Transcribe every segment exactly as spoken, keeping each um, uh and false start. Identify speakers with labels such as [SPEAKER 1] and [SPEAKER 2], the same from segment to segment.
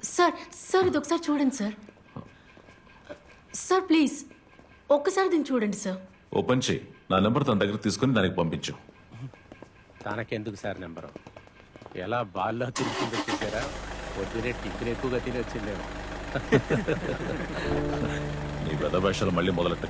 [SPEAKER 1] Sir sir ఇది ఒకసారి చూడండి సార్. సార్ ప్లీజ్ ఒక్కసారి దీన్ని చూడండి సార్.
[SPEAKER 2] ఓపెన్ చేయి. నా నెంబర్ తన దగ్గర తీసుకుని దానికి పంపించు.
[SPEAKER 3] తనకెందుకు సార్ నెంబరు? ఎలా బాల్లో తిరుగుతుందో చూసారా? పొద్దునే టిఫిన్ ఎక్కువగా తిని వచ్చిందేమో.
[SPEAKER 2] నీ పెద్ద వేషాలు మళ్ళీ మొదలెట్ట.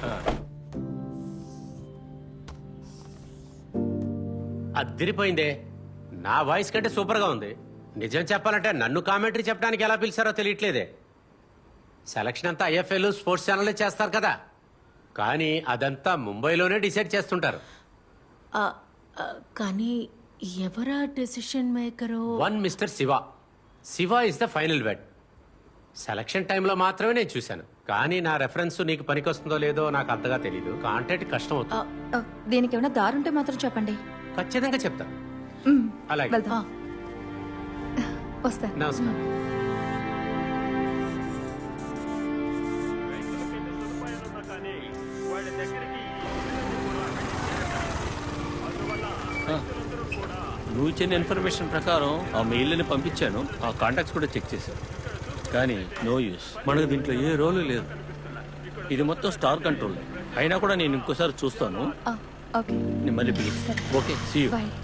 [SPEAKER 3] అదిరిపోయిందే. నా వాయిస్ కంటే సూపర్గా ఉంది. నిజం చెప్పాలంటే నన్ను కామెంటరీ చెప్పడానికి ఎలా పిలిచారో తెలియట్లేదే. సెలక్షన్ అంతా ఐఎఫ్ఎల్ స్పోర్ట్స్ ఛానల్లే చేస్తారు కదా, కానీ అదంతా ముంబైలోనే డిసైడ్ చేస్తుంటారు.
[SPEAKER 1] ఆ, ఆ, కానీ ఎవరా decision maker?
[SPEAKER 3] One mister Shiva. Shiva is the final wet. Selection టైంలో మాత్రమే నేను చూశాను, కానీ నా రెఫరెన్స్ నీకు పనికొస్తుందో లేదో నాకు అంతగా తెలియదు. కాంటాక్ట్ కష్టం అవుతుంది.
[SPEAKER 4] దీనికి ఏమైనా దారుంటే మాత్రం చెప్పండి.
[SPEAKER 3] ఖచ్చితంగా చెప్తాను.
[SPEAKER 4] మ్,
[SPEAKER 3] అలాగే.
[SPEAKER 4] వెళ్దాం. వస్తా.
[SPEAKER 3] నమస్కారం.
[SPEAKER 5] నువ్వు ఇచ్చిన ఇన్ఫర్మేషన్ ప్రకారం ఆ మెయిల్ని పంపించాను. ఆ కాంటాక్ట్స్ కూడా చెక్ చేశాను, కానీ నో యూస్. మనకు దీంట్లో ఏ రోలు లేదు. ఇది మొత్తం స్టార్ కంట్రోల్. అయినా కూడా నేను ఇంకోసారి చూస్తాను.
[SPEAKER 4] ఆ, ఓకే.
[SPEAKER 5] నేను మళ్ళీ పిలుస్తాను. Okay, see you.
[SPEAKER 4] బాయ్.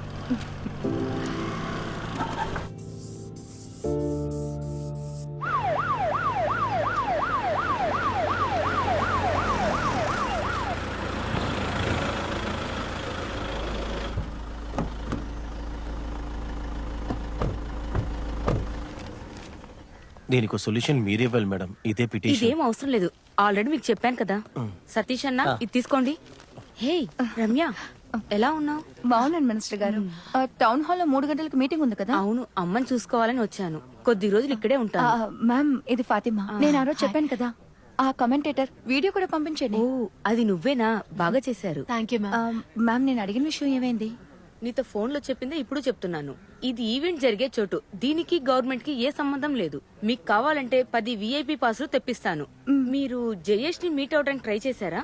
[SPEAKER 6] దీనికి సొల్యూషన్ మీరే ఇవ్వాలి మేడం. ఇదే పిటిషన్.
[SPEAKER 7] ఇదేం అవసరం లేదు, ఆల్రెడీ మీకు చెప్పాను కదా. సతీష్ అన్న, ఇది తీసుకోండి. హే రమ్య, ఎలా ఉన్నావు?
[SPEAKER 4] బాగున్నాను మినిస్టర్ గారు. ఆ, టౌన్ హాల్లో మూడు గంటలకు మీటింగ్ ఉంది కదా.
[SPEAKER 7] అవును, అమ్మని చూసుకోవాలని వచ్చాను. కొద్ది రోజులు ఇక్కడే
[SPEAKER 4] ఆ,
[SPEAKER 7] ఉంటాను.
[SPEAKER 4] మ్యామ్ ఇది ఫాతిమా. నేను ఆ రోజు చెప్పాను కదా, ఆ కమెంటేటర్ వీడియో కూడా పంపించండి.
[SPEAKER 7] ఓ, అది నువ్వేనా? బాగా చేశారు.
[SPEAKER 1] Thank you
[SPEAKER 4] ah,
[SPEAKER 1] ma'am.
[SPEAKER 4] Ma'am నేను అడిగిన విషయం ఏమైంది?
[SPEAKER 7] నీతో ఫోన్ లో చెప్పిందే ఇప్పుడు చెప్తున్నాను. ఇది ఈవెంట్ జరిగే చోటు. దీనికి గవర్నమెంట్ కి ఏ సంబంధం లేదు. మీకు కావాలంటే పది విఐపి పాసులు తెప్పిస్తాను. మీరు జయేష్ ని మీట్ అవడానికి ట్రై చేశారా?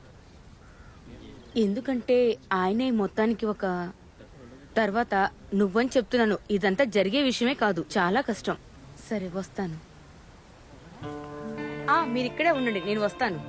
[SPEAKER 7] ఎందుకంటే ఆయనే మొత్తానికి ఒక తర్వాత నువ్వని చెప్తున్నాను. ఇదంతా జరిగే విషయమే కాదు, చాలా కష్టం. సరే వస్తాను. ఆ మీరు ఇక్కడే ఉండండి, నేను వస్తాను.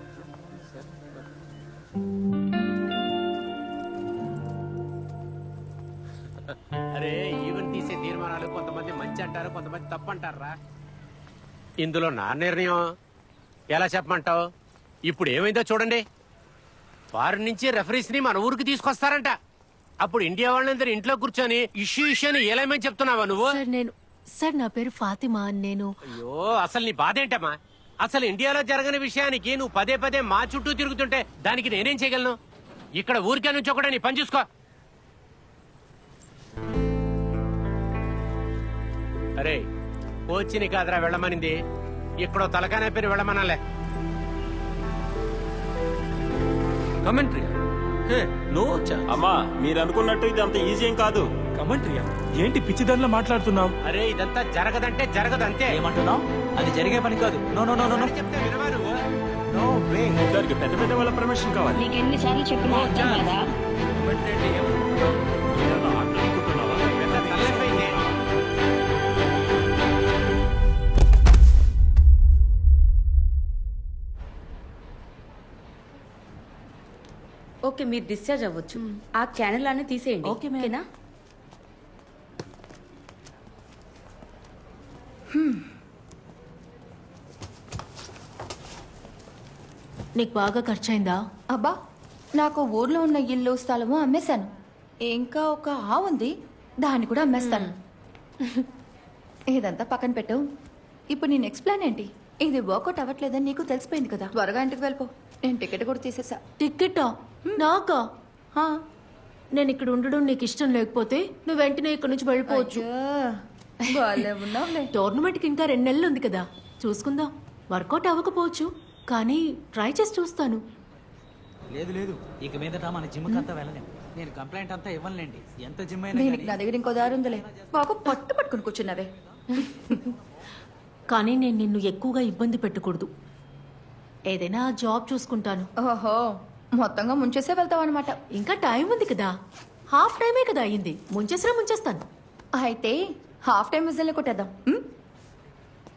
[SPEAKER 3] అరే, ఈవెంట్ తీసే తీర్మానాలు కొంతమంది మంచి అంటారు, కొంతమంది తప్పు అంటారా. ఇందులో నా నిర్ణయం ఎలా చెప్పమంటావు? ఇప్పుడు ఏమైందో చూడండి. ఫారిన్ నుంచి రెఫరీస్ ని మన ఊరికి తీసుకొస్తారంట. అప్పుడు ఇండియా వాళ్ళందరూ ఇంట్లో కూర్చొని ఇష్యూ ఇష్యూ అని ఏలేమని చెప్తున్నావా నువ్వు?
[SPEAKER 1] సార్ నేను సార్ నా పేరు ఫాతిమా. నేను
[SPEAKER 3] అయ్యో, అసలు నీ బాధ ఏంటమ్మా? అసలు ఇండియాలో జరగని విషయానికి నువ్వు పదే పదే మా చుట్టూ తిరుగుతుంటే దానికి నేనేం చేయగలను? ఇక్కడ ఊరికే నుంచి ఒకటే నీ పని చూసుకో. అరే, కోచిని కాదురా వెళ్ళమనింది, ఇక్కడో తలకానే పేరు వెళ్ళమనాలే.
[SPEAKER 5] Commentary no chance.
[SPEAKER 6] అమ్మా మీరు అనుకున్నట్టు ఇది అంత ఈజీ ఏం కాదు.
[SPEAKER 8] కమెంట్రీయా? ఏంటి పిచ్చిదానిలో మాట్లాడుతున్నావు?
[SPEAKER 3] అరే, ఇదంతా జరగదంటే జరగదంతే.
[SPEAKER 8] ఏమంటున్నావు? అది జరిగే పని కాదు. నో నో నో నో
[SPEAKER 3] సరే చెప్తే వినవా నువ్వు?
[SPEAKER 8] No way.
[SPEAKER 6] దానికి పెద్ద పెద్ద వాళ్ళ పర్మిషన్ కావాలి.
[SPEAKER 9] నీకు ఎన్నిసార్లు చెప్పినా అర్థం కదా.
[SPEAKER 3] పెద్ద తలనొప్పైంది.
[SPEAKER 7] ఓకే, మీరు డిశ్చార్జ్ అవ్వచ్చు. ఆ క్యానలాన్ని తీసేయండి.
[SPEAKER 1] Okay, madam.
[SPEAKER 7] ఓకేనా?
[SPEAKER 1] నీకు బాగా ఖర్చయిందా?
[SPEAKER 4] అబ్బా, నాకు ఊర్లో ఉన్న ఇల్లు స్థలము అమ్మేశాను. ఇంకా ఒక ఆ ఉంది, దాన్ని కూడా అమ్మేస్తాను. ఇదంతా పక్కన పెట్టు. ఇప్పుడు నీ నెక్స్ట్ ప్లాన్ ఏంటి? ఇది వర్కౌట్ అవ్వట్లేదని నీకు తెలిసిపోయింది కదా. త్వరగా ఇంటికి వెళ్ళిపో. నేను టికెట్ కూడా తీసేసా.
[SPEAKER 1] టికెటా? నాకా?
[SPEAKER 4] హా.
[SPEAKER 1] నేను ఇక్కడ ఉండడం నీకు ఇష్టం లేకపోతే నువ్వు వెంటనే ఇక్కడ నుంచి వెళ్ళిపోవచ్చు.
[SPEAKER 4] బాలే ఉన్నావులే.
[SPEAKER 1] టోర్నమెంట్ కి ఇంకా రెండు నెలలు ఉంది కదా, చూసుకుందాం. వర్కౌట్ అవ్వకపోవచ్చు, కానీ ట్రై చేసి చూస్తాను.
[SPEAKER 10] లేదు లేదు, ఇక మీదట మన జిమ్ అంతా వెళ్ళలేం. నేను కంప్లైంట్ అంతా ఇవ్వనులేండి. ఎంత జిమ్ అయినా
[SPEAKER 4] దీనికి నా దగ్గర ఇంకో దారి ఉందిలే. బాగా పట్టు పట్టుకుని కూర్చున్నావే.
[SPEAKER 1] కానీ నేను నిన్ను ఎక్కువగా ఇబ్బంది పెట్టకూడదు. ఏదైనా జాబ్ చూసుకుంటాను.
[SPEAKER 4] ఓహో, మొత్తంగా ముంచేసే వెళ్తావు అనమాట.
[SPEAKER 1] ఇంకా టైం ఉంది కదా, హాఫ్ టైమే కదా అయ్యింది. ముంచేసినా ముంచేస్తాను.
[SPEAKER 4] అయితే హాఫ్ టైం విజిల్ని కొట్టేద్దాం. ఉమ్?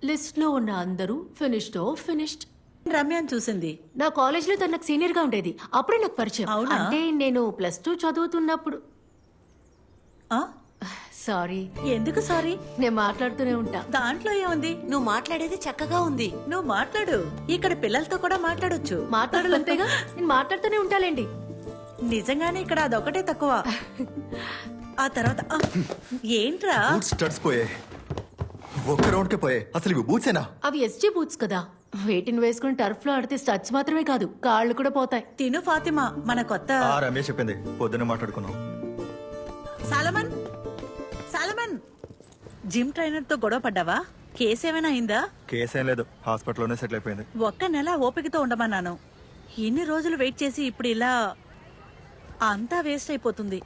[SPEAKER 1] లిస్ట్ లో ఉన్న అందరూ ఫినిష్డ్ ఫినిష్డ్.
[SPEAKER 11] రమ్యాని చూసింది.
[SPEAKER 1] నా కాలేజ్ లో తన నాకు సీనియర్ గా ఉండేది. అప్పుడే నాకు పరిచయం.
[SPEAKER 11] అవునా?
[SPEAKER 1] అంటే నేను ప్లస్ టూ చదువుతున్నప్పుడు.
[SPEAKER 11] ఆ?
[SPEAKER 1] సారీ,
[SPEAKER 11] ఎందుకు సారీ?
[SPEAKER 1] నేను మాట్లాడుతూనే ఉంటా.
[SPEAKER 11] దాంట్లో ఏముంది?
[SPEAKER 12] నువ్వు మాట్లాడేది చక్కగా ఉంది.
[SPEAKER 11] నువ్వు మాట్లాడు, ఇక్కడ పిల్లలతో కూడా మాట్లాడొచ్చు.
[SPEAKER 1] మాట్లాడాలంతేగా, నేను మాట్లాడుతూనే ఉంటాలేండి.
[SPEAKER 11] నిజంగానే ఇక్కడ అదొకటే తక్కువ. ఆ తర్వాత ఆ, ఏంట్రా?
[SPEAKER 13] బూట్స్ తడిసిపోయాయి. ఒక్క రౌండ్ కే పోయాయి. అసలు ఇవి బూట్సేనా?
[SPEAKER 1] అవి ఎస్జీ బూట్స్ కదా, వేటిని వేసుకుని టర్ఫ్ లో ఆడితే స్టచ్ మాత్రమే కాదు కాళ్ళు కూడా పోతాయి.
[SPEAKER 11] తిను ఫాతిమా, మన కొత్త
[SPEAKER 13] ఆ రమేష్ చెప్పింది, పొద్దున్న మాట్లాడుకున్నాం.
[SPEAKER 11] సాలమన్ సాలమన్ జిమ్ ట్రైనర్ తో గొడవ పడ్డావా? కేసు ఏమైనా అయిందా?
[SPEAKER 13] కేసు ఏం లేదు, హాస్పిటల్లోనే సెటిల్ అయిపోయింది.
[SPEAKER 11] ఒక్క నెల ఓపికతో ఉండమన్నాను. ఇన్ని రోజులు వెయిట్ చేసి ఇప్పుడు ఇలా అంతా వేస్ట్ అయిపోతుంది.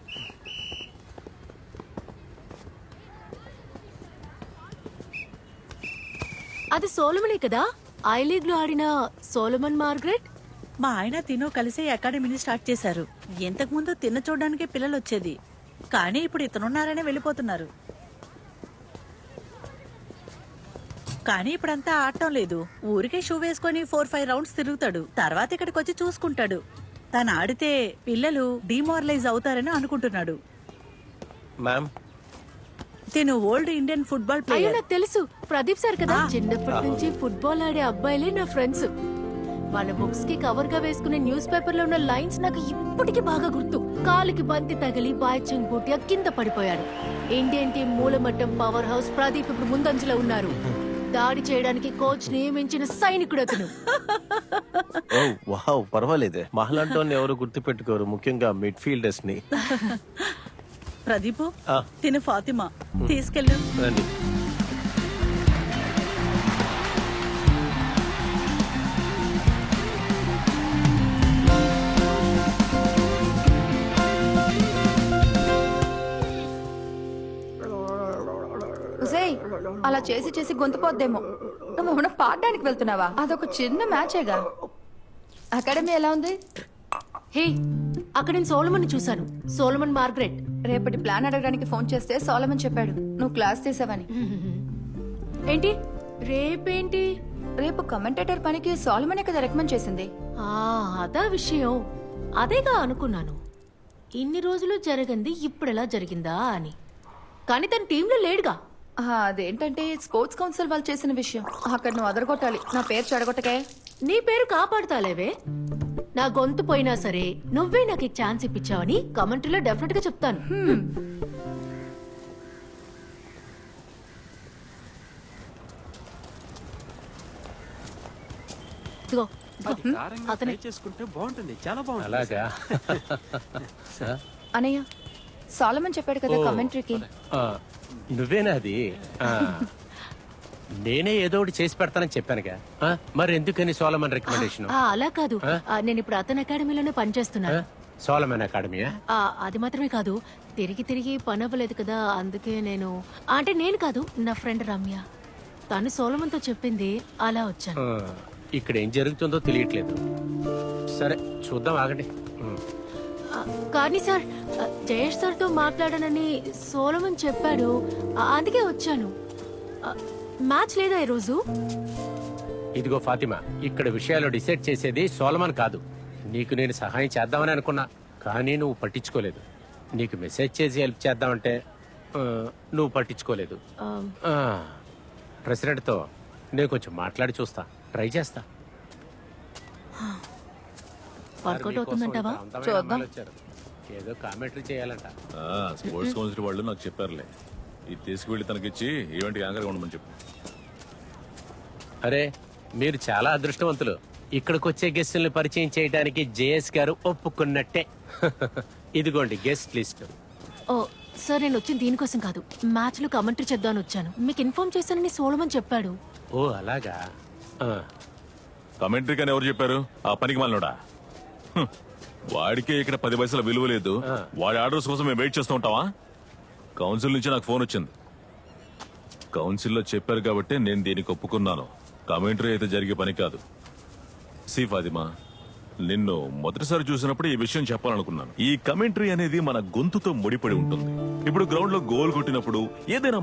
[SPEAKER 1] అది సోలమనే కదా, ఐ లీగ్ లో ఆడిన సోలమన్ మార్గరెట్.
[SPEAKER 11] మా ఆయన తిను కలిసి అకాడమీని స్టార్ట్ చేశారు. ఇంతకు ముందు తిన్న చూడడానికే పిల్లలు వచ్చేది, కానీ ఇప్పుడు ఇతనున్నారనే వెళ్ళిపోతున్నారు. కానీ ఇప్పుడంతా ఆడటం లేదు. ఊరికే షూ వేసుకొని ఫోర్ ఫైవ్ రౌండ్స్ తిరుగుతాడు. తర్వాత ఇక్కడికి వచ్చి చూసుకుంటాడు. తను ఆడితే పిల్లలు డిమారలైజ్ అవుతారని అనుకుంటున్నాడు.
[SPEAKER 6] మ్యామ్,
[SPEAKER 11] తిను ఓల్డ్ ఇండియన్ ఫుట్బాల్
[SPEAKER 1] అయ్యో
[SPEAKER 11] ప్లేయర్.
[SPEAKER 1] నాకు తెలుసు, ప్రదీప్ సార్ కదా. చిన్నప్పటి నుంచి ఫుట్బాల్ ఆడే అబ్బాయిలే నా ఫ్రెండ్స్. వాళ్ళ బుక్స్ కి కవర్ గా వేసుకునే న్యూస్ పేపర్ లో ఉన్న లైన్స్ నాకు ఇప్పటికీ బాగా గుర్తు. కాలుకి బంతి తగిలి బాయ్చెంగ్ బూటియా కింద పడిపోయాడు. ఇండియన్ టీం మూలమట్టం పవర్ హౌస్ ప్రదీప్ ఇప్పుడు ముందంజలో ఉన్నారు. దాడి చేయడానికి కోచ్ నియమించిన సైనికుడు అతను.
[SPEAKER 6] ఓ వావ్, పర్వాలేదే. మహలాంటోని ఎవరు గుర్తు పెట్టుకోరు, ముఖ్యంగా మిడ్ ఫీల్డర్స్ ని.
[SPEAKER 11] ప్రదీప్,
[SPEAKER 6] ఆ.
[SPEAKER 11] తిను ఫాతిమా తీసుకెళ్ళు.
[SPEAKER 6] రండి.
[SPEAKER 4] ఉసేయ్, అలా చేసి చేసి గొంతుపోద్దేమో. నువ్వు ఏమైనా పాడడానికి వెళ్తున్నావా? అదొక చిన్న మ్యాచేగా. అకాడమీ ఎలా ఉంది?
[SPEAKER 1] హే, అక్కడ నేను సోలమన్ చూశాను. Solomon Margaret.
[SPEAKER 4] రేపటి ప్లాన్ అడగడానికి ఫోన్ చేస్తే సోలమన్ చెప్పాడు నువ్వు క్లాస్ తీసావని.
[SPEAKER 1] ఏంటి రేపేంటి?
[SPEAKER 4] రేపు కమెంటేటర్ పనికి సోలమనే కదా రికమెండ్ చేసింది.
[SPEAKER 1] ఆ, అదా విషయం. అదేగా అనుకున్నాను, ఇన్ని రోజులు జరిగింది ఇప్పుడు ఎలా జరిగిందా అని. కానీ తన టీంలో లేడుగా.
[SPEAKER 4] ఆ, అదేంటంటే స్పోర్ట్స్ కౌన్సిల్ వాళ్ళు చేసిన విషయం. అక్కడ నువ్వు అదరగొట్టాలి, నా పేరు చెడగొట్టకే.
[SPEAKER 1] నీ పేరు కాపాడుతాలేవే. నా గొంతు పోయినా సరే నువ్వే నాకు ఈ ఛాన్స్ ఇప్పించావని కమెంటరీలో డెఫినెట్ గా చెప్తాను. ఇదిగో, ఇదిగో, అతనే.
[SPEAKER 8] చేసుకుంటే బాగుంటుంది, చాలా బాగుంటుంది.
[SPEAKER 3] అలాగా
[SPEAKER 4] అనయ్య, సోలమన్ చెప్పాడు కదా కమెంటరీకి.
[SPEAKER 3] ఆ, నువ్వేనా అది? ఆ, నేనే ఏదో ఒకటి చేసి పెడతానని చెప్పానుగా. ఆ, మరి ఎందుకని సోలమన్ రికమెండేషన్?
[SPEAKER 1] ఆ, అలా కాదు, ఆ, నేను ఇప్పుడు అతని అకాడమీలోనే పనిచేస్తున్నాను.
[SPEAKER 3] సోలమన్ అకాడమీయా?
[SPEAKER 1] ఆ, అది మాత్రమే కాదు, తిరిగి తిరిగి పని అవ్వలేదు కదా, అందుకే నేను అంటే నేను కాదు, నా ఫ్రెండ్ రమ్య, తను సోలమన్తో చెప్పింది, అలా వచ్చాను.
[SPEAKER 3] ఆ, ఇక్కడ ఏం జరుగుతుందో తెలియట్లేదు. సరే చూద్దాం, ఆగండి. ఉమ్.
[SPEAKER 1] ఆ, కానీ సార్, ఆ, జయేష్ సార్తో మాట్లాడానని సోలమన్ చెప్పాడు, ఆ, అందుకే వచ్చాను. ఆ, మ్యాచ్ లేదా ఈరోజు?
[SPEAKER 3] ఇదిగో ఫాతిమా, ఇక్కడ విషయాలు డిసైడ్ చేసేది సోలమన్ కాదు. నీకు నేను సహాయం చేద్దామని అనుకున్నా, కానీ నువ్వు పట్టించుకోలేదు. నీకు మెసేజ్ చేసి హెల్ప్ చేద్దామంటే ఆ, నువ్వు పట్టించుకోలేదు.
[SPEAKER 1] ఆ,
[SPEAKER 3] ఆ, ప్రెసిడెంట్తో నేను కొంచెం మాట్లాడి చూస్తా, ట్రై చేస్తా.
[SPEAKER 1] వర్కౌట్ అవుతుందంటావా?
[SPEAKER 3] అందమైన
[SPEAKER 4] చూద్దాం.
[SPEAKER 3] అమ్మాయిలు వచ్చారు. ఏదో కామెంటరీ చేయాలంట.
[SPEAKER 2] ఆ, స్పోర్ట్స్ కౌన్సిల్ వాళ్ళు నాకు చెప్పారులే, ఇది తీసుకువెళ్ళి తనకిచ్చి ఈవెంట్ యాంకర్ గా ఉండమని చెప్పు.
[SPEAKER 3] అరే, మీరు చాలా అదృష్టవంతులు. ఇక్కడికి వచ్చే గెస్టుల్ని పరిచయం చేయడానికి జేఎస్ గారు ఒప్పుకున్నట్టే. ఇదిగోండి గెస్ట్ లిస్ట్.
[SPEAKER 1] ఓ సార్, నేను వచ్చింది దీనికోసం కాదు, మ్యాచ్ లో కమెంటరీ చేద్దామని వచ్చాను. మీకు ఇన్ఫార్మ్ చేశానని సోలమన్ చెప్పాడు.
[SPEAKER 3] ఓ అలాగా. ఆ,
[SPEAKER 2] కమెంటరీ కానీ ఎవరు చెప్పారు? ఆ పనికి మాలినోడా? హ్మ్. వాడికే ఇక్కడ పది పైసల విలువ లేదు, వాడి ఆర్డర్స్ కోసం మేము వెయిట్ చేస్తూ ఉంటావా? కౌన్సిల్ నుంచి నాకు ఫోన్ వచ్చింది. కౌన్సిల్లో చెప్పారు కాబట్టి నేను దీనికి ఒప్పుకున్నాను. కమెంటరీ అయితే జరిగే పని కాదు. సి ఫాతిమా, నిన్ను మొదటిసారి చూసినప్పుడు ఈ విషయం చెప్పాలనుకున్నాను. ఈ కమెంటరీ అనేది మన గొంతుతో ముడిపడి ఉంటుంది. ఇప్పుడు గ్రౌండ్ లో గోల్ కొట్టినప్పుడు ఏదైనా